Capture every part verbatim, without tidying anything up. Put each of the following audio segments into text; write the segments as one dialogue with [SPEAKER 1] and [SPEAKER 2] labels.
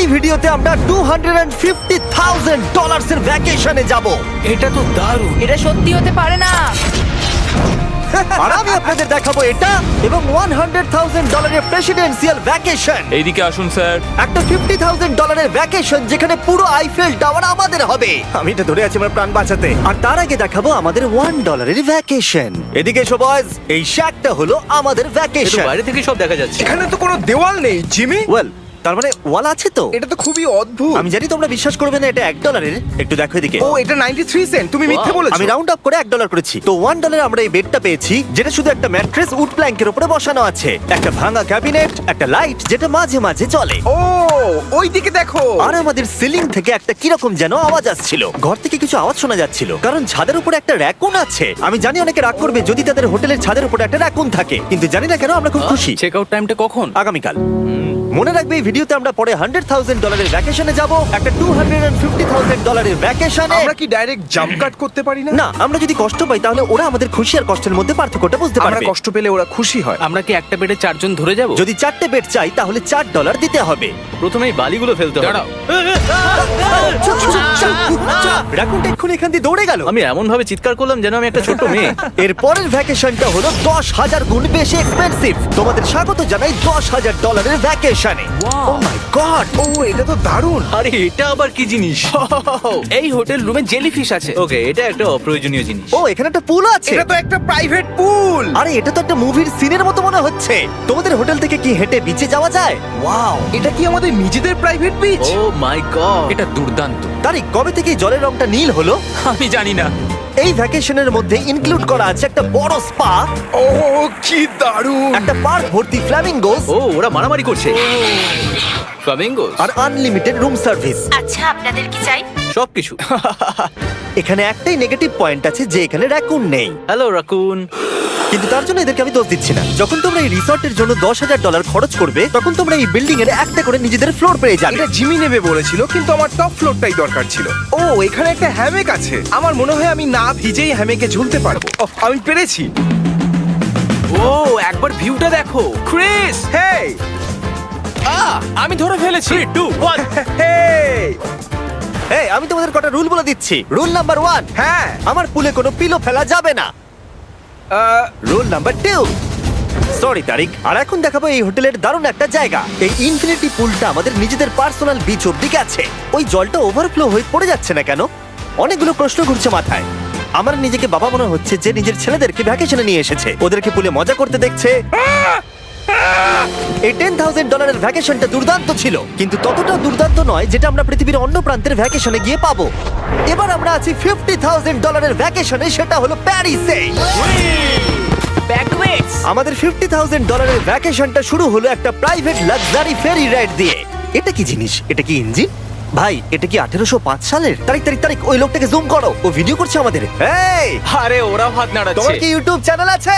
[SPEAKER 1] এই ভিডিওতে আমরা two hundred fifty thousand dollars এর ভ্যাকেশনে যাব।
[SPEAKER 2] এটা তো দারুণ।
[SPEAKER 3] এটা সত্যি হতে পারে না।
[SPEAKER 1] আর আমি আপনাদের দেখাবো এটা এবং ওয়ান হান্ড্রেড থাউজেন্ড ডলারের প্রেসিডেন্সিয়াল ভ্যাকেশন।
[SPEAKER 2] এইদিকে আসুন স্যার।
[SPEAKER 1] একটা ফিফটি থাউজেন্ড ডলারের ভ্যাকেশন যেখানে পুরো আইফেল টাওয়ার আমাদের হবে। আমি এটা ধরে আছি আমার প্রাণ বাঁচাতে। আর তার আগে দেখাবো আমাদের ওয়ান ডলারের ভ্যাকেশন। এদিকে এসো বয়স, এই শ্যাকটা হলো আমাদের
[SPEAKER 2] এটা
[SPEAKER 1] ভ্যাকেশন।
[SPEAKER 2] বাইরে থেকে সব দেখা যাচ্ছে।
[SPEAKER 4] এখানে তো কোনো দেওয়াল নেই জিমি।
[SPEAKER 1] ওয়েল, তার মানে ওয়াল আছে তো।
[SPEAKER 4] এটা তো খুবই অদ্ভুত।
[SPEAKER 1] আমি জানি তোমরা বিশ্বাস করবে না, এটা এক ডলারের। একটু দেখো এদিকে।
[SPEAKER 4] ও এটা নাইনটি থ্রি সেন্ট, তুমি মিথ্যে
[SPEAKER 2] Wow,
[SPEAKER 4] বলেছো।
[SPEAKER 1] আমি রাউন্ড আপ করে এক ডলার করেছি। তো ওয়ান ডলারে আমরা এই বেডটা পেয়েছি, যেটা শুধু একটা ম্যাট্রেস উড প্ল্যাঙ্কের উপরে বসানো আছে, একটা ভাঙা ক্যাবিনেট, একটা লাইট যেটা মাঝে মাঝে চলে,
[SPEAKER 4] ও ওই দিকে দেখো।
[SPEAKER 1] আর আমাদের সিলিং থেকে একটা কিরকম যেন আওয়াজ আসছিল। ঘর থেকে কিছু আওয়াজ শোনা যাচ্ছিল, কারণ ছাদের উপরে একটা র‍্যাকুন আছে। আমি জানি অনেকে রাগ করবে যদি তাদের হোটেলের ছাদের উপরে একটা র‍্যাকুন থাকে, কিন্তু জানি না কেন আমরা খুব খুশি।
[SPEAKER 2] চেক আউট টাইমটা কখন?
[SPEAKER 1] আগামীকাল। মনে রাখবে এই ভিডিওতে আমরা পরে হান্ড্রেড থাউজেন্ড ডলারের ভ্যাকেশনে যাব, একটা টু হান্ড্রেড ফিফটি থাউজেন্ড ডলারের ভ্যাকেশনে।
[SPEAKER 4] আমরা কি ডাইরেক্ট জাম্প কাট করতে পারি না?
[SPEAKER 1] না, আমরা যদি কষ্ট পাই তাহলে ওরা আমাদের খুশি আর কষ্টের মধ্যে পার্থক্যটা বুঝতে
[SPEAKER 4] আমরা
[SPEAKER 1] পারবে।
[SPEAKER 4] কষ্ট পেলে ওরা খুশি হয়।
[SPEAKER 2] আমরা কি একটা বেডে চারজন ধরে যাব?
[SPEAKER 1] যদি চারটে বেড চাই তাহলে চার ডলার দিতে হবে।
[SPEAKER 2] প্রথমে এই বালিগুলো ফেলতে হবে। দাঁড়াও,
[SPEAKER 1] রাকুনটা এক্ষুনি এখান দিয়ে দৌড়ে গেল।
[SPEAKER 2] আমি এমন ভাবে চিৎকার করলাম যেন আমি একটা ছোট মেয়ে।
[SPEAKER 1] এর পরের ভ্যাকেশনটা হলো দশ হাজার গুণ বেশি এক্সপেন্সিভ। তোমাদের স্বাগত জানাই দশ হাজার ডলারের ভ্যাকেশনে। ও মাই গড,
[SPEAKER 4] ও এটা তো দারুণ।
[SPEAKER 2] আরে এটা আবার কি জিনিস? এই হোটেল রুমে জেলিফিশ আছে। ওকে, এটা একটা অপ্রয়োজনীয় জিনিস।
[SPEAKER 1] ও এখানে একটা পুল আছে।
[SPEAKER 4] এটা তো একটা প্রাইভেট পুল।
[SPEAKER 1] আরে এটা তো একটা মুভির সিনের মতো মনে হচ্ছে। তোমাদের হোটেল থেকে কি হেঁটে বিচে যাওয়া যায়? ওয়াও,
[SPEAKER 4] এটা কি আমাদের নিজেদের private beach?
[SPEAKER 2] Oh my God, এটা দুর্দান্ত।
[SPEAKER 1] তারিক, কবে থেকে এই জলের রংটা নীল হলো?
[SPEAKER 2] আমি জানি না।
[SPEAKER 1] এই ভ্যাকেশনের মধ্যে ইনক্লুড করা আছে একটা বড় স্পা,
[SPEAKER 4] ও কি দারুণ।
[SPEAKER 1] একটা পার্ক ভর্তি ফ্ল্যামিঙ্গোস,
[SPEAKER 2] ও ওরা মারামারি করছে। ফ্লামিঙ্গোস
[SPEAKER 1] আর আনলিমিটেড রুম সার্ভিস।
[SPEAKER 3] আচ্ছা, আপনাদের কি চাই?
[SPEAKER 2] সবকিছু।
[SPEAKER 1] এখানে একটাই নেগেটিভ পয়েন্ট আছে যে এখানে র‍্যাকুন নেই,
[SPEAKER 2] হ্যালো রাকুন।
[SPEAKER 1] কিন্তু তার জন্য এদেরকে আমি দোষ দিচ্ছি না। যখন তোমরা এই রিসর্টের জন্য দশ হাজার ডলার খরচ করবে, তখন তোমরা এই বিল্ডিং এর একটা করে নিজেদের ফ্লোর পেয়ে যাবে।
[SPEAKER 4] এটা জিমি নেবে বলেছিল, কিন্তু আমার টপ ফ্লোরটাই দরকার ছিল। ও এখানে একটা হ্যামেক আছে। আমার মনে হয় আমি না ভিজেই হ্যামেকে ঝুলতে পারবো। ওহ, আমি পেরেছি।
[SPEAKER 2] ও একবার ভিউটা দেখো ক্রিস।
[SPEAKER 4] হেই
[SPEAKER 2] আহ আমি ধরে ফেলেছি। Three two one.
[SPEAKER 4] হেই
[SPEAKER 1] এই, আমি তোমাদের কটা রুল বলে দিচ্ছি। রুল নাম্বার ওয়ান,
[SPEAKER 4] হ্যাঁ
[SPEAKER 1] আমার পুলে কোনো পিলো ফেলা যাবে না।
[SPEAKER 4] Ah,
[SPEAKER 1] rule number two, sorry Tareq. আর এখন দেখাবো এই হোটেলের দারুণ একটা জায়গা। এই ইনফিনিটি পুলটা আমাদের নিজেদের পার্সোনাল বিচ অব্দি গেছে। ওই জলটা ওভারফ্লো হয়ে পড়ে যাচ্ছে না কেন? অনেকগুলো প্রশ্ন ঘুরছে মাথায়। আমার নিজেকে বাবা মনে হচ্ছে যে নিজের ছেলেদেরকে ভ্যাকেশনে নিয়ে এসেছে, ওদেরকে পুলে মজা করতে দেখছে। এই টেন থাউজেন্ড ডলারের ভ্যাকেশনটা দুর্দান্ত ছিল, কিন্তু ততটা দুর্দান্ত নয় যেটা আমরা পৃথিবীর অন্য প্রান্তের ভ্যাকেশনে গিয়ে পাবো। এবার আমরা আছি ফিফটি থাউজেন্ড ডলারের ভ্যাকেশনে, সেটা হলো প্যারিসে।
[SPEAKER 3] ব্যাকওয়েটস।
[SPEAKER 1] আমাদের ফিফটি থাউজেন্ড ডলারের ভ্যাকেশনটা শুরু হলো একটা প্রাইভেট লাক্সারি ফেরি রাইড দিয়ে। এটা কি জিনিস? এটা কি ইঞ্জিন? ভাই, এটা কি আঠেরোশো পাঁচ সালের? তারিখ তারিখ তারিখ ওই লোকটাকে জুম করো, ও ভিডিও করছে আমাদের। এই,
[SPEAKER 2] আরে ওরা হাত
[SPEAKER 1] তোমার
[SPEAKER 2] নাড়াচ্ছে।
[SPEAKER 1] কি ইউটিউব চ্যানেল আছে?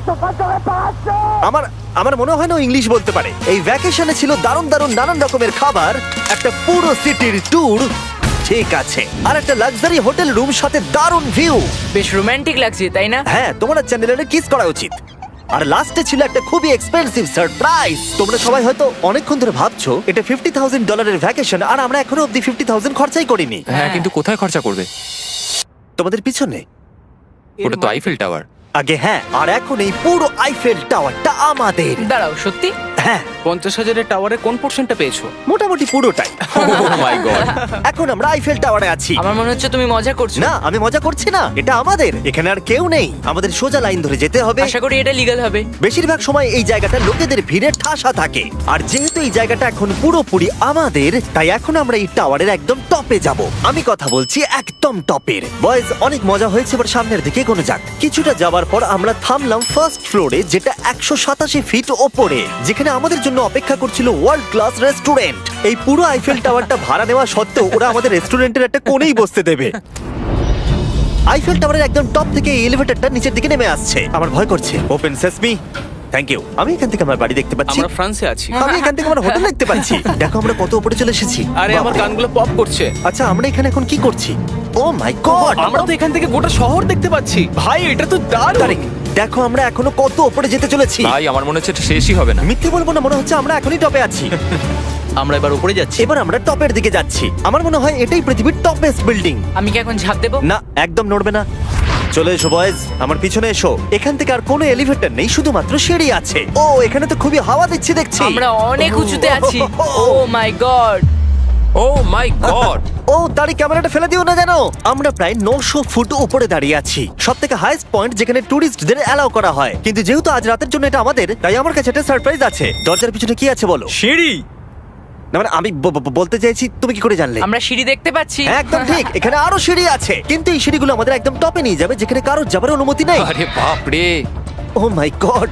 [SPEAKER 1] আমার আমার মনে হয় না ও ইংলিশ বলতে পারে। এই ভ্যাকেশনে ছিল দারুণ দারুণ নানান রকমের খাবার, একটা পুরো সিটির ট্যুর, ঠিক আছে, আর একটা লাক্সারি হোটেল রুম সাথে দারুণ ভিউ।
[SPEAKER 3] বেশ রোমান্টিক লাগছে, তাই না?
[SPEAKER 1] হ্যাঁ, তোমার চ্যানেলের কিস করা উচিত। আর লাস্টে ছিল একটা খুবই এক্সপেন্সিভ সারপ্রাইজ। তোমরা সবাই হয়তো অনেকক্ষণ ধরে ভাবছো এটা ফিফটি থাউজেন্ড ডলারের ভ্যাকেশন, আর আমরা এখনো অব্দি ফিফটি থাউজেন্ড খরচাই করিনি।
[SPEAKER 5] হ্যাঁ, কিন্তু কোথায় খরচা করবে?
[SPEAKER 1] তোমাদের পিছনে
[SPEAKER 5] ওটা তো আইফেল টাওয়ার।
[SPEAKER 1] আগে হ্যাঁ, আর এখন এই পুরো আইফেল টাওয়ারটা আমাদের।
[SPEAKER 3] দাঁড়াও, সত্যি?
[SPEAKER 1] হ্যাঁ,
[SPEAKER 2] পঞ্চাশ হাজারের টাওয়ারে কোন পোর্শনটা পেয়েছো?
[SPEAKER 1] মোটামুটি পুরোটাই।
[SPEAKER 5] Oh my God.
[SPEAKER 1] এখন আমরা আইফেল টাওয়ারে আছি।
[SPEAKER 3] আমার মনে হচ্ছে তুমি মজা করছো।
[SPEAKER 1] না, আমি মজা করছি না, এটা আমাদের। এখানে আর কেউ নেই, আমাদের সোজা লাইন ধরে যেতে হবে।
[SPEAKER 3] আশা করি এটা লিগ্যাল হবে।
[SPEAKER 1] বেশিরভাগ সময় এই জায়গাটা লোকেদের ভিড়ে ঠাসা থাকে, আর যেহেতু এই জায়গাটা এখন পুরোপুরি আমাদের, তাই এখন আমরা এই টাওয়ারের একদম টপে যাব। আমি কথা বলছি একদম টপের। বয়েজ, অনেক মজা হয়েছে, এবার সামনের দিকে এগোনো যাক। কিছুটা যাবার পর আমরা থামলাম ফার্স্ট ফ্লোরে, যেটা একশো সাতাশি ফিট ওপরে, যেখানে আমাদের জন্য অপেক্ষা করছিল ওয়ার্ল্ড ক্লাস রেস্টুরেন্ট। এই পুরো আইফেল টাওয়ারটা ভাড়া নেওয়া সত্ত্বেও ওরা আমাদের রেস্টুরেন্টের একটা কোণেই বসতে দেবে। আইফেল টাওয়ারের একদম টপ থেকে এই এলিভেটরটা নিচের দিকে নেমে আসছে। আমার ভয় করছে। Open sesame. Thank you. আমি এখান থেকে আমার বাড়ি দেখতে পাচ্ছি।
[SPEAKER 2] আমরা ফ্রান্সে আছি।
[SPEAKER 1] আমি এখান থেকে আমার হোটেল দেখতে পাচ্ছি। দেখো আমরা কত উপরে চলে এসেছি।
[SPEAKER 2] আরে আমার
[SPEAKER 1] বাপরে।
[SPEAKER 2] কানগুলো পপ করছে।
[SPEAKER 1] আচ্ছা, আমরা এখানে এখন কি করছি? ও মাই গড,
[SPEAKER 2] আমরা তো এখান থেকে গোটা শহর দেখতে পাচ্ছি। ভাই এটা তো দারুণ।
[SPEAKER 1] তারিক, দেখো আমরা এখনো কত উপরে যেতে চলেছি।
[SPEAKER 5] ভাই আমার মনে হচ্ছে এটা শেষই হবে না।
[SPEAKER 1] মিথ্যে বলবো না, মনে হচ্ছে আমরা এখনই টপে আছি।
[SPEAKER 2] আমরা এবার উপরে যাচ্ছি।
[SPEAKER 1] এবার আমরা টপের দিকে যাচ্ছি। আমার মনে হয় এটাই পৃথিবীর টপেস্ট বিল্ডিং।
[SPEAKER 3] আমি কি এখন ঝাঁপ দেবো?
[SPEAKER 1] না, একদম নড়বে না। চলে এসো বয়েজ, আমার পিছনে এসো। এখান থেকে আর কোনো এলিভেটর নেই, শুধুমাত্র সিঁড়ি আছে। ও, এখানে তো খুবই হাওয়া দিচ্ছে দেখছি।
[SPEAKER 3] আমরা অনেক উঁচুতে আছি। ও my god!
[SPEAKER 5] O my god!
[SPEAKER 1] ও, দাঁড়ি ক্যামেরাটা ফেলে দিও না জানো। আমরা প্রায় নশো ফুট উপরে দাঁড়িয়ে আছি, সব থেকে হাইস্ট পয়েন্ট যেখানে টুরিস্টদের অ্যালাউ করা হয়। কিন্তু যেহেতু আজ রাতের জন্য এটা আমাদের, তাই আমার কাছে একটা সারপ্রাইজ আছে। দরজার পিছনে কি আছে বলো?
[SPEAKER 2] সিঁড়ি।
[SPEAKER 1] না মানে আমি ব- ব- বলতে চাইছি, তুমি কি করে জানলে?
[SPEAKER 3] আমরা সিঁড়ি দেখতে পাচ্ছি।
[SPEAKER 1] হ্যাঁ, একদম ঠিক, এখানে আরো সিঁড়ি আছে, কিন্তু এই সিঁড়িগুলো আমাদের একদম টপে নিয়ে যাবে, যেখানে কারোর যাবার অনুমতি নেই।
[SPEAKER 5] আরে বাপ রে!
[SPEAKER 1] ও মাই গড!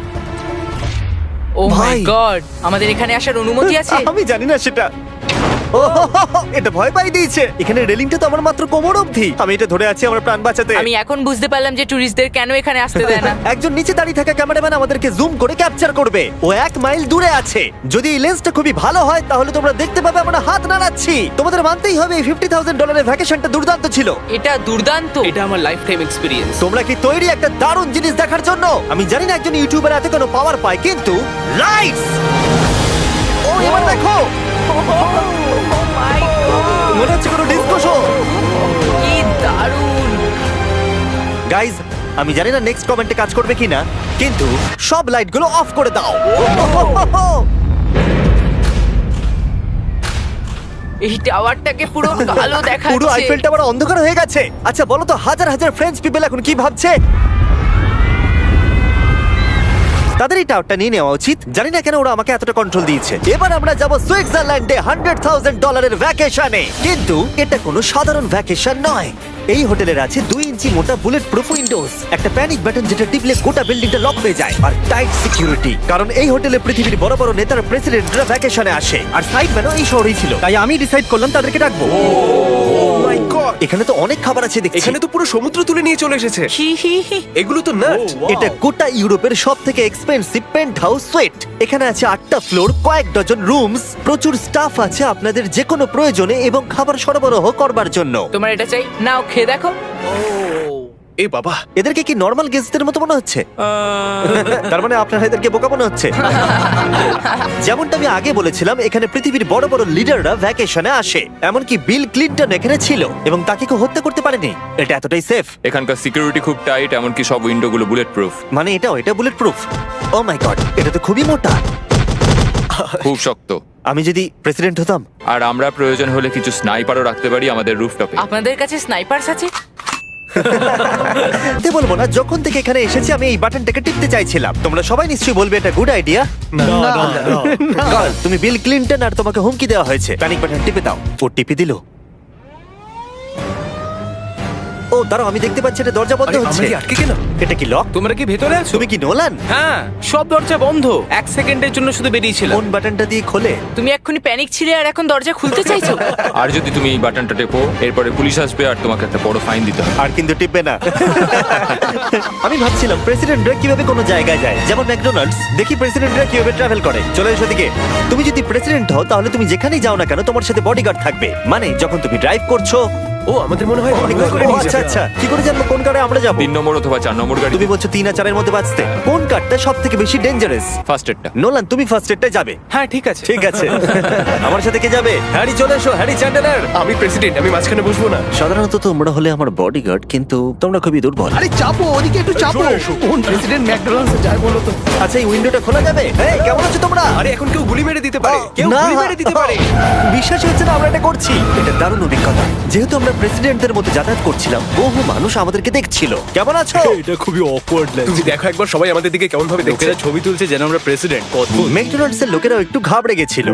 [SPEAKER 3] ও মাই
[SPEAKER 1] ভাই।
[SPEAKER 3] গড! আমাদের এখানে আসার অনুমতি আছে?
[SPEAKER 1] আমি জানি না সেটা। ও হো হো হো, এটা ভয় পাই দিয়েছে। এখানে রেলিংটা তো আমার মাত্র কোমর অবধি। আমি এটা ধরে আছি আমার প্রাণ বাঁচাতে।
[SPEAKER 3] আমি এখন বুঝতে পারলাম যে টুরিস্টদের কেন এখানে আসতে দেয় না।
[SPEAKER 1] একজন নিচে দাঁড়িয়ে থাকা ক্যামেরাম্যান আমাদেরকে জুম করে ক্যাপচার করবে। ও এক মাইল দূরে আছে। যদি এই লেন্সটা খুবই ভালো হয় তাহলে তোমরা দেখতে পাবে আমরা হাত নাড়াচ্ছি। তোমাদের মানতেই হবে এই ফিফটি থাউজেন্ড ডলারের ভ্যাকেশনটা দুর্দান্ত ছিল।
[SPEAKER 3] এটা দুর্দান্ত।
[SPEAKER 2] এটা আমার লাইফ টাইম এক্সপিরিয়েন্স।
[SPEAKER 1] তোমরা কি তৈরি একটা দারুণ জিনিস দেখার জন্য? আমি জানি না একজন ইউটিউবার এত কোনো পাওয়ার পায়, কিন্তু লাইটস! ও, এবার দেখো,
[SPEAKER 3] মাই গড!
[SPEAKER 1] মনে হচ্ছে কোনো ডিস্কো শো।
[SPEAKER 3] কি দারুণ!
[SPEAKER 1] গাইজ, আমি জানি না নেক্সট কমেন্টে কাজ করবে কিনা, কিন্তু সব লাইটগুলো অফ করে দাও।
[SPEAKER 3] এই টাওয়ারটাকে পুরো কালো দেখাচ্ছে।
[SPEAKER 1] পুরো আইফেল টাওয়ার অন্ধকার হয়ে গেছে। আচ্ছা বলো তো, হাজার হাজার ফ্রেঞ্চ পিপল এখন কি ভাবছে? তাদের এই টাওয়ারটা নিয়ে নেওয়া উচিত। জানি না কেন ওরা আমাকে এতটা কন্ট্রোল দিয়েছে। এবার আমরা যাব সুইজারল্যান্ডে হান্ড্রেড থাউজেন্ড ডলারের ভ্যাকেশনে। কিন্তু এটা কোনো সাধারণ ভ্যাকেশন নয়। এই হোটেলের আছে দুই ইঞ্চি মোটা বুলেট প্রুফ উইন্ডোজ, একটা প্যানিক বাটন যেটা টিপলে গোটা বিল্ডিংটা লক হয়ে যায়, আর টাইট সিকিউরিটি। কারণ এই হোটেলে পৃথিবীর বড় বড় নেতার প্রেসিডেন্টরা ভ্যাকেশনে আসে, আর সাইডম্যানও এই শহরেই ছিল। তাই আমি ডিসাইড করলাম তাদেরকে ডাকবো।
[SPEAKER 4] মাই গড,
[SPEAKER 1] এখানে তো অনেক খাবার আছে দেখছি।
[SPEAKER 4] এখানে তো পুরো সমুদ্র তুলে নিয়ে চলে এসেছে।
[SPEAKER 3] হি হি হি।
[SPEAKER 4] এগুলো তো নাট।
[SPEAKER 1] এটা গোটা ইউরোপের সব থেকে এক্সপেন্সিভ পেন্ট হাউস সুইট। এখানে আছে আটটা ফ্লোর, কয়েক ডজন রুমস, প্রচুর স্টাফ আছে আপনাদের যে কোনো প্রয়োজনে এবং খাবার সরবরাহ করবার জন্য।
[SPEAKER 3] তোমার এটা চাই? নাও খেয়ে দেখো।
[SPEAKER 4] এ বাবা,
[SPEAKER 1] এদেরকে কি নর্মাল গেস্টদের মতো মনে হচ্ছে? তার মানে আপনারা এদেরকে বোকা মনে হচ্ছে। যেমনটা আমি আগে বলেছিলাম, এখানে পৃথিবীর বড় বড় লিডাররা ভ্যাকেশনে আসে। এমনকি বিল ক্লিনটন এখানে ছিল এবং তাকে কেউ হত্যা করতে পারেনি। এটা এতটাই সেফ।
[SPEAKER 5] এখানকার সিকিউরিটি খুব টাইট, এমনকি সব উইন্ডো গুলো বুলেট প্রুফ।
[SPEAKER 1] মানে এটাও এটা bullet proof? Oh my God, এটা তো খুবই মোটা।
[SPEAKER 5] খুব শক্ত।
[SPEAKER 1] আমি যদি প্রেসিডেন্ট হতাম।
[SPEAKER 5] আর আমরা প্রয়োজন হলে কিছু স্নাইপারও রাখতে পারি আমাদের রুফটপে।
[SPEAKER 3] আপনাদের কাছে স্নাইপারস আছে?
[SPEAKER 1] তে বলবো না, যখন থেকে এখানে এসেছি আমি এই বাটনটাকে টিপতে চাইছিলাম। তোমরা সবাই নিশ্চয়ই বলবে এটা গুড আইডিয়া। তুমি বিল ক্লিনটন আর তোমাকে হুমকি দেওয়া হয়েছে, প্যানিক বাটন টিপে দাও। ও টিপে দিল। ও দাঁড়াও, আমি দেখতে পাচ্ছি এটা দরজা বন্ধ
[SPEAKER 4] আরে, আমরা
[SPEAKER 1] হচ্ছে।
[SPEAKER 4] কি আটকে গেলাম?
[SPEAKER 1] এটা কি লক?
[SPEAKER 2] তোমরা কি ভেতরে আছো?
[SPEAKER 1] তুমি কি নোলান?
[SPEAKER 2] হ্যাঁ, সব দরজা বন্ধ। এক সেকেন্ডের জন্য শুধু বেরিয়েছিলাম।
[SPEAKER 1] কোন বাটনটা দিয়ে খোলে?
[SPEAKER 3] তুমি এক্ষুনি প্যানিক ছিলে আর এখন দরজা খুলতে চাইছো?
[SPEAKER 5] আর যদি তুমি এই বাটনটা টেপো, এরপরে পুলিশ আসবে আর তোমাকে একটা বড় ফাইন দিতে হবে।
[SPEAKER 1] আর কিন্তু টিপবে না। আমি ভাবছিলাম প্রেসিডেন্টরা কিভাবে কোনো জায়গায় যায়, যেমন ম্যাকডোনাল্ডস। দেখি প্রেসিডেন্টরা কিভাবে ট্রাভেল করে। চলে এসো দিকে। তুমি যদি প্রেসিডেন্ট হও তাহলে তুমি যেখানেই যাও না কেন তোমার সাথে বডিগার্ড থাকবে। মানে যখন তুমি ড্রাইভ করছো।
[SPEAKER 4] ও, আমাদের মনে হয় অনেকগুলো করে
[SPEAKER 1] ও,
[SPEAKER 4] নিয়ে
[SPEAKER 1] আচ্ছা
[SPEAKER 4] যাবে।
[SPEAKER 1] আচ্ছা, কি করে জানবো কোন কারে আমরা যাবো?
[SPEAKER 5] তিন নম্বর অথবা চার নম্বর গাড়ি।
[SPEAKER 1] তুমি বলছো তিন আর চারের মধ্যে বাঁচতে। কোন কারটা সব থেকে বেশি ডেঞ্জারাস?
[SPEAKER 5] ফার্স্ট এডটা।
[SPEAKER 1] নোলান, তুমি ফার্স্ট এডটা যাবে।
[SPEAKER 2] হ্যাঁ, ঠিক আছে।
[SPEAKER 1] ঠিক আছে। আমার সাথে কে যাবে? হ্যারি, চলে এসো। Harry Chandler.
[SPEAKER 4] আমি প্রেসিডেন্ট, আমি মাঝখানে বসবো না।
[SPEAKER 1] সাধারণত তোমরা হলে আমার বডিগার্ড, কিন্তু তোমরা খুবই দুর্বল।
[SPEAKER 4] আরে চাপো, ওদিকে একটু চাপো। কোন প্রেসিডেন্ট ম্যাকডোনাল্ডসে যায় বলো তো?
[SPEAKER 1] আচ্ছা, এই উইন্ডোটা খোলা যাবে? এই, কেমন আছো তোমরা?
[SPEAKER 4] আরে এখন কেউ গুলি মেরে দিতে পারে, কেউ
[SPEAKER 1] না।
[SPEAKER 4] গুলি মেরে দিতে পারে।
[SPEAKER 1] বিশ্বাস হচ্ছে না আমরা এটা করছি। এটা দারুণ অভিজ্ঞতা। যেহেতু আমরা প্রেসিডেন্টদের মধ্যে যাতায়াত করছিলাম, বহু মানুষ আমাদেরকে দেখছিল। কেমন আছো?
[SPEAKER 2] এটা খুবই অকওয়ার্ড লাগছে।
[SPEAKER 4] তুমি দেখো একবার সবাই আমাদের দিকে কেমন ভাবে দেখছে।
[SPEAKER 2] লোকেরা ছবি তুলছে যেন আমরা প্রেসিডেন্ট। অদ্ভুত।
[SPEAKER 1] ম্যাকডোনাল্ডস এর লোকেরাও একটু ঘাবড়ে গেছিল।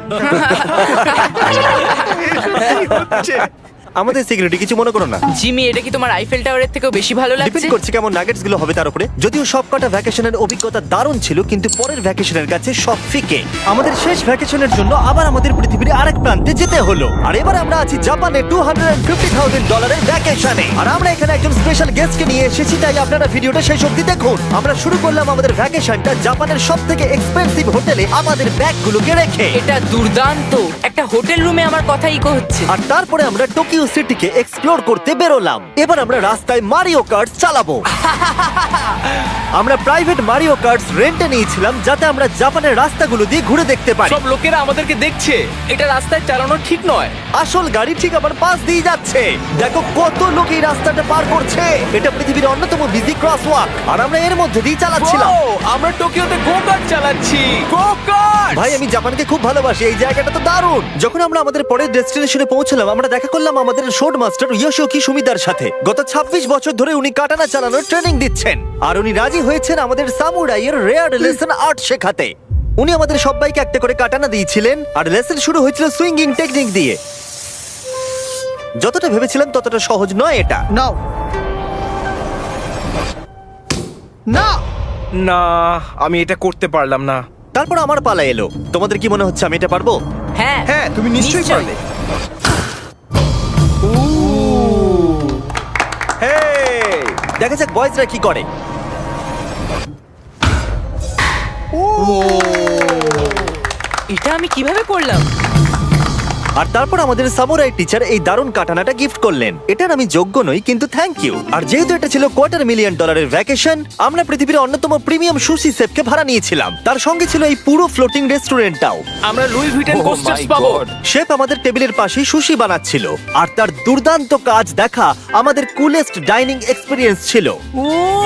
[SPEAKER 1] আমাদের সিকিউরিটি কিছু মনে করো না।
[SPEAKER 3] জিমি, এটা কি তোমার আইফেল টাওয়ারের থেকেও বেশি ভালো
[SPEAKER 1] ডিপেন্ড
[SPEAKER 3] লাগছে?
[SPEAKER 1] করছে কেমন নাগেটস গুলো হবে তার উপরে। যদিও সবকটা ভ্যাকেশনের অভিজ্ঞতা দারুণ ছিল, কিন্তু পরের ভ্যাকেশনের কাছে সব ফিকে। আমাদের শেষ ভ্যাকেশনের জন্য আবার আমাদের পৃথিবীর আরেক প্রান্তে যেতে হলো। আর এবার আমরা আছি জাপানে টু হান্ড্রেড ফিফটি থাউজেন্ড ডলারের ভ্যাকেশনে। আর আমরা এখানে একজন স্পেশাল গেস্টকে নিয়ে এসেছি, তাই আপনারা ভিডিওটা শেষ অবধি দেখুন। আমরা শুরু করলাম আমাদের ভ্যাকেশনটা জাপানের সব থেকে এক্সপেন্সিভ হোটেলে আমাদের ব্যাগগুলোকে রেখে।
[SPEAKER 3] এটা দুর্দান্ত। একটা হোটেল রুমে আমার কথা ইকো হচ্ছে।
[SPEAKER 1] আর তারপরে আমরা টোকিও মেরিও সিটিকে এক্সপ্লোর করতে বেরোলাম। এবার আমরা রাস্তায় মারিও কার্ট চালাবো। আমরা প্রাইভেট মারিও কার্টস রেন্টে নিয়েছিলাম যাতে আমরা জাপানের রাস্তাগুলো দিয়ে ঘুরে দেখতে পারি।
[SPEAKER 2] সব লোকেরা আমাদেরকে দেখছে, এটা রাস্তায় চালানো ঠিক নয়।
[SPEAKER 1] আসল গাড়ি ঠিক আমার পাশ দিয়ে যাচ্ছে। দেখো কত লোক এই রাস্তাটা পার করছে। এটা পৃথিবীর অন্যতম বিজি ক্রসওয়াক আর আমরা এর মধ্যে দিয়ে চালাচ্ছিলাম।
[SPEAKER 2] ও, আমরা টোকিওতে গো কার্ট চালাচ্ছি। Go kart!
[SPEAKER 1] ভাই আমি জাপানকে খুব ভালোবাসি, এই জায়গাটা তো দারুণ। যখন আমরা আমাদের পরের ডেস্টিনেশনে পৌঁছলাম আমরা দেখা করলাম আমাদের শোড মাস্টার ইয়োশিওকি সুমিদার সাথে। গত ছাব্বিশ বছর ধরে উনি কাটানা চালানোর ট্রেনিং দিচ্ছেন আর উনি রাজি হয়েছেন আমাদের সামুরাইয়ের রেয়ার লেসন আর্ট শেখাতে। উনি আমাদের সবাইকে একটা করে কাটানা দিয়েছিলেন আর লেসন শুরু হয়েছিল সুইঙ্গিং টেকনিক দিয়ে। যতটা ভেবেছিলাম ততটা সহজ নয় এটা।
[SPEAKER 4] নাও না না আমি এটা করতে পারলাম না।
[SPEAKER 1] তারপর আমার পালা এলো। তোমাদের কি মনে হচ্ছে আমি এটা পারবো?
[SPEAKER 3] হ্যাঁ
[SPEAKER 4] হ্যাঁ তুমি নিশ্চয়ই
[SPEAKER 3] নিশ্চয়ই।
[SPEAKER 4] পারবে। হেই!
[SPEAKER 1] দেখা যাক বয়েজরা কি করে।
[SPEAKER 3] এটা আমি কিভাবে করলাম?
[SPEAKER 1] আর তারপর আমাদের সামুরাই টিচার এই দারুণ কাটানাটা গিফট করলেন। এটার আমি যোগ্য নই কিন্তু থ্যাংক ইউ। আর যেহেতু এটা ছিল কোয়ার্টার মিলিয়ন ডলারের ভ্যাকেশন, আমরা পৃথিবীর অন্যতম প্রিমিয়াম সুশি শেফকে ভাড়া নিয়েছিলাম। তার সঙ্গে ছিল এই পুরো ফ্লোটিং রেস্টুরেন্টটাও।
[SPEAKER 2] আমরা Louis Vuitton
[SPEAKER 5] Oh
[SPEAKER 2] coasters
[SPEAKER 5] my
[SPEAKER 2] পাবো।
[SPEAKER 5] God!
[SPEAKER 1] শেফ আমাদের টেবিলের পাশেই সুশি বানাচ্ছিল আর তার দুর্দান্ত কাজ দেখা আমাদের কুলেস্ট ডাইনিং এক্সপিরিয়েন্স ছিল।
[SPEAKER 3] ও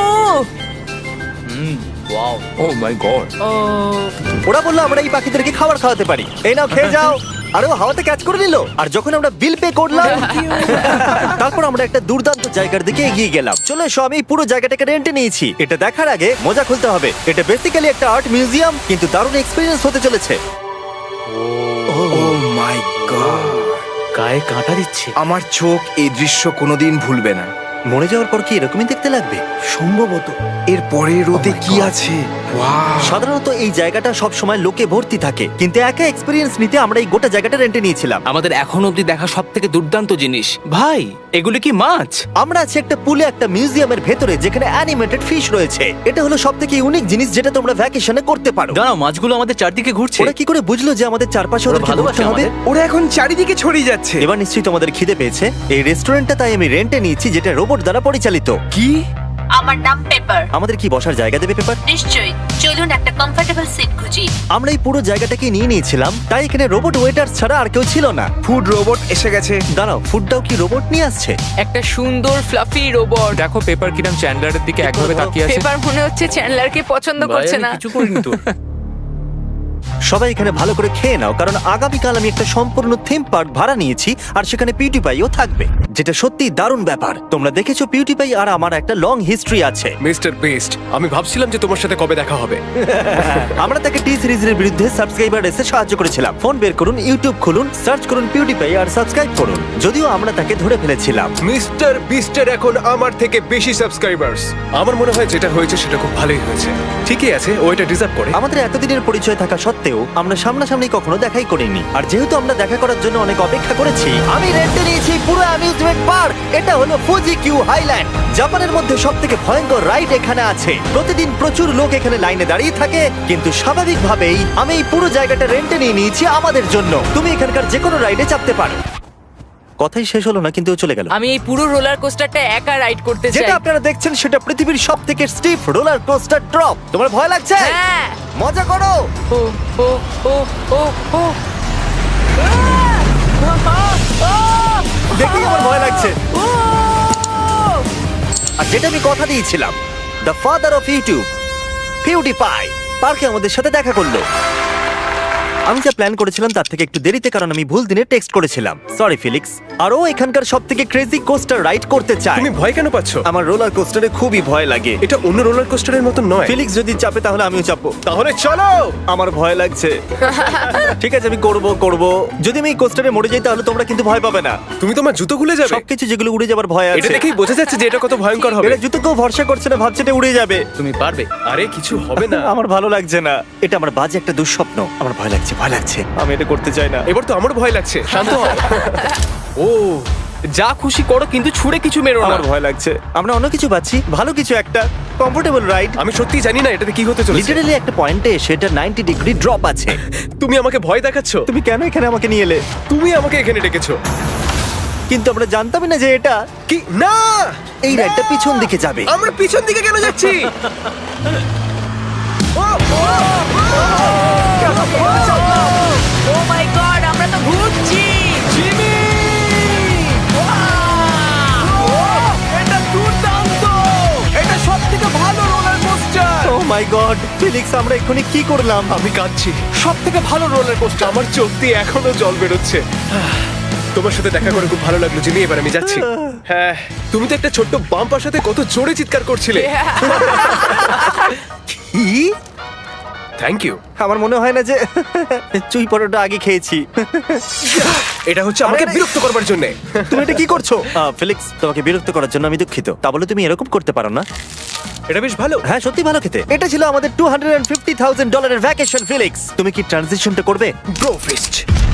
[SPEAKER 2] ওয়াও!
[SPEAKER 5] O my god!
[SPEAKER 3] ও
[SPEAKER 1] ওরা বললো আমরা এই পাখিদেরকে খাবার খাওয়াতে পারি, এই নাও খেয়ে যাও। আরে ও হাওয়াতে ক্যাচ করে নিল। আর যখন আমরা বিল পে করলাম তারপর আমরা একটা দুর্দান্ত জায়গার দিকে এগিয়ে গেলাম। চলো এসো, আমি এই পুরো জায়গাটাকে রেন্টে নিয়েছি। এটা দেখার আগে মজা খুলতে হবে। এটা বেসিক্যালি একটা আর্ট মিউজিয়াম কিন্তু দারুণ এক্সপিরিয়েন্স হতে চলেছে।
[SPEAKER 4] Oh my God!
[SPEAKER 2] গায়ে কাঁটা দিচ্ছে।
[SPEAKER 4] আমার চোখ এই দৃশ্য কোনোদিন ভুলবে না।
[SPEAKER 1] মরে যাওয়ার পর কি এরকমই দেখতে লাগবে?
[SPEAKER 4] সম্ভবত এর পরে রোদে
[SPEAKER 1] Oh my
[SPEAKER 4] কি
[SPEAKER 1] God!
[SPEAKER 4] আছে? ওয়াও!
[SPEAKER 1] সাধারণত এই জায়গাটা সব সময় লোকে ভর্তি থাকে কিন্তু একা এক্সপিরিয়েন্স নিতে আমরা এই গোটা জায়গাটা রেন্টে নিয়েছিলাম।
[SPEAKER 2] আমাদের এখন অবধি দেখা সব থেকে দুর্দান্ত জিনিস। ভাই, এগুলো কি মাছ?
[SPEAKER 1] আমরা আছি একটা পুলে একটা মিউজিয়ামের ভেতরে যেখানে অ্যানিমেটেড ফিশ রয়েছে। এটা হলো সবথেকে ইউনিক জিনিস যেটা তোমরা ভ্যাকেশনে করতে পারো।
[SPEAKER 2] দাঁড়াও, মাছগুলো আমাদের চারদিকে ঘুরছে।
[SPEAKER 1] ওরা কি করে বুঝলো যে আমাদের চারপাশে
[SPEAKER 2] ওরা
[SPEAKER 1] ওদেরকে
[SPEAKER 2] ভালোবাসে
[SPEAKER 1] ঘুরতে হবে?
[SPEAKER 2] আমাদের।
[SPEAKER 4] ওরা এখন চারিদিকে ছড়িয়ে যাচ্ছে।
[SPEAKER 1] এবার নিশ্চয়ই তোমাদের খিদে পেয়েছে। এই রেস্টুরেন্টটা তাই আমি রেন্টে নিয়েছি যেটা রোবট দ্বারা পরিচালিত।
[SPEAKER 4] কি?
[SPEAKER 6] আমার নাম পেপার।
[SPEAKER 1] আমাদের কি বসার জায়গা দেবে পেপার?
[SPEAKER 6] নিশ্চয়ই, চলুন একটা কমফোর্টেবল সিট খুঁজি।
[SPEAKER 1] আমরা এই পুরো জায়গাটাকে নিয়ে নিয়েছিলাম তাই এখানে রোবট ওয়েটার ছাড়া আর কেউ ছিল না।
[SPEAKER 4] ফুড রোবট এসে গেছে।
[SPEAKER 1] দাঁড়াও, ফুডটাও কি রোবট নিয়ে আসছে?
[SPEAKER 3] একটা সুন্দর ফ্লাফি রোবট।
[SPEAKER 5] দেখো পেপার কিরাম চ্যান্ডলারের দিকে একভাবে তাকিয়ে আছে।
[SPEAKER 3] পেপার মনে হচ্ছে চ্যান্ডলারকে পছন্দ
[SPEAKER 2] ভাই,
[SPEAKER 3] করছে
[SPEAKER 2] আমি
[SPEAKER 3] না।
[SPEAKER 2] কিছু করিনি তো।
[SPEAKER 1] সবাই এখানে ভালো করে খেয়ে নাও কারণ আগামীকাল আমি একটা সম্পূর্ণ থিম পার্ক ভাড়া নিয়েছি আর সেখানে পিউটিপাইও থাকবে, যেটা সত্যি দারুণ ব্যাপার। তোমরা দেখেছো পিউটিপাই আর আমার একটা লং হিস্ট্রি আছে।
[SPEAKER 7] মিস্টার বেস্ট, আমি ভাবছিলাম যে তোমার সাথে কবে দেখা হবে।
[SPEAKER 1] আমরা তাকে টি সিরিজের বিরুদ্ধে সাবস্ক্রাইবার রেসে সাহায্য করেছিলাম। ফোন বের করুন, ইউটিউব খুলুন, সার্চ করুন পিউটিপাই আর সাবস্ক্রাইব করুন। যদিও আমরা তাকে ধরে ফেলেছিলাম।
[SPEAKER 7] মিস্টার বিস্টের এখন আমার থেকে বেশি সাবস্ক্রাইবার্স। আমার মনে হয় যেটা হয়েছে সেটা খুব ভালোই হয়েছে। ঠিকই আছে, ও এটা ডিজার্ভ করে।
[SPEAKER 1] আমাদের এতদিনের পরিচয় থাকা সত্ত্বেও আমরা সামনাসামনি কখনো দেখাই করিনি। আর যেহেতু আমরা দেখা করার জন্য অনেক অপেক্ষা করেছি, আমি রেন্টে নিয়েছি পুরো অ্যামিউজমেন্ট পার্ক। এটা হলো ফুজি কিউ হাইল্যান্ড। জাপানের মধ্যে সবথেকে ভয়ঙ্কর রাইড এখানে আছে। প্রতিদিন প্রচুর লোক এখানে লাইনে দাঁড়িয়ে থাকে কিন্তু স্বাভাবিকভাবেই আমি এই পুরো জায়গাটা রেন্টে নিয়ে নিয়েছি আমাদের জন্য। তুমি এখানকার যে কোনো রাইডে চাপতে পারো। কথাই শেষ হলো না কিন্তু ও চলে গেল।
[SPEAKER 3] আমি এই পুরো রোলার কোস্টারটা একা রাইড করতে চাই।
[SPEAKER 1] যেটা আপনারা দেখছেন সেটা পৃথিবীর সব থেকে স্টিফ রোলার কোস্টার ড্রপ। তোমার ভয় লাগছে?
[SPEAKER 3] হ্যাঁ।
[SPEAKER 1] মজা করো।
[SPEAKER 3] ও ও ও ও ও
[SPEAKER 1] দেখি আমার ভয় লাগছে। আর যেটা আমি কথা দিয়েছিলাম, the father of YouTube PewDiePie পার্কে আমাদের সাথে দেখা করলো। আমি যা প্ল্যান করেছিলাম তার থেকে একটু দেরিতে, কারণ আমি ভুল দিনে টেক্সট করেছিলাম। সরি ফিলিক্স। আর ও এখানকার সব থেকে ক্রেজি কোস্টার রাইড করতে চায়।
[SPEAKER 7] তুমি ভয় কেন পাচ্ছ?
[SPEAKER 1] আমার রোলার কোস্টারে খুবই ভয় লাগে।
[SPEAKER 7] এটা অন্য রোলার কোস্টারের মতো নয়।
[SPEAKER 1] ফিলিক্স যদি চাপে তাহলে আমিও চাপবো।
[SPEAKER 7] তাহলে চলো।
[SPEAKER 1] আমার ভয় লাগছে। ঠিক আছে, আমি করব করব। যদি আমি এই কোস্টারে মরে যাই তাহলে তোমরা কিন্তু ভয় পাবে না।
[SPEAKER 7] তুমি তোমার জুতো খুলে যাবে।
[SPEAKER 1] সবকিছু যেগুলো উড়ে যাবার ভয়
[SPEAKER 7] এটা
[SPEAKER 1] আছে।
[SPEAKER 7] দেখেই বোঝা যাচ্ছে যে এটা কত ভয়ঙ্কর হবে।
[SPEAKER 1] এটা জুতো কেউ ভরসা করছে না, ভাবছে এটা উড়ে যাবে।
[SPEAKER 2] তুমি পারবে।
[SPEAKER 7] আরে কিছু হবে না।
[SPEAKER 1] আমার ভালো লাগছে না। এটা আমার বাজে একটা দুঃস্বপ্ন। আমার ভয় লাগছে, ভয় লাগছে। আমি এটা করতে চাই না।
[SPEAKER 7] এবার তো আমার ভয় লাগছে। শান্ত হও।
[SPEAKER 2] ও, যা খুশি করো কিন্তু ছুড়ে কিছু মেরো না।
[SPEAKER 1] আমার ভয় লাগছে। আমরা অন্য কিছু পাচ্ছি, ভালো কিছু একটা কমফোর্টেবল রাইড।
[SPEAKER 7] আমি সত্যি জানি না এটাতে কি হতে চলেছে।
[SPEAKER 1] লিটারালি একটা পয়েন্টে এসে এটা নাইনটি ডিগ্রি ড্রপ আছে।
[SPEAKER 7] তুমি আমাকে ভয় দেখাচ্ছ।
[SPEAKER 1] তুমি কেন এখানে আমাকে নিয়ে এলে?
[SPEAKER 7] তুমি আমাকে এখানে ডেকেছো।
[SPEAKER 1] কিন্তু আমরা জানতামই না যে এটা
[SPEAKER 7] কি না
[SPEAKER 1] এই রাইডটা পিছন দিকে যাবে।
[SPEAKER 7] আমরা পিছন দিকে কেন যাচ্ছি
[SPEAKER 3] ও মাই গড, আমরা তো ঘুরছি।
[SPEAKER 4] এটা দুর্দান্ত! এটা সবথেকে ভালো roller coaster!
[SPEAKER 1] Oh my God, Felix আমরা এক্ষুনি কি করলাম?
[SPEAKER 7] আমি কাঁদছি সব থেকে ভালো রোলার কোস্টার আমার চোখ দিয়ে এখনো জল বেরোচ্ছে তোমার সাথে দেখা করে খুব ভালো লাগলো জিমি এবার আমি যাচ্ছি হ্যাঁ তুমি তো একটা ছোট্ট বাম্পার সাথে কত জোরে চিৎকার করছিলে
[SPEAKER 1] কি?
[SPEAKER 7] থ্যাংক ইউ
[SPEAKER 1] আমার মনে হয় না যে চুই পরোটা আগে খেয়েছি।
[SPEAKER 7] এটা হচ্ছে আমাকে
[SPEAKER 1] আরে,
[SPEAKER 7] বিরক্ত করবার জন্য
[SPEAKER 1] তুমি এটা কি করছো? আহ, ফিলিক্স, তোমাকে বিরক্ত করার জন্য আমি দুঃখিত। তা বলে তুমি এরকম করতে পারো না।
[SPEAKER 7] এটা বেশ ভালো
[SPEAKER 1] হ্যাঁ, সত্যি ভালো খেতে। এটা ছিল আমাদের টু হান্ড্রেড ফিফটি থাউজেন্ড ডলারের ভ্যাকেশন। ফিলিক্স, তুমি কি ট্রানজিশনটা করবে?
[SPEAKER 7] Bro feast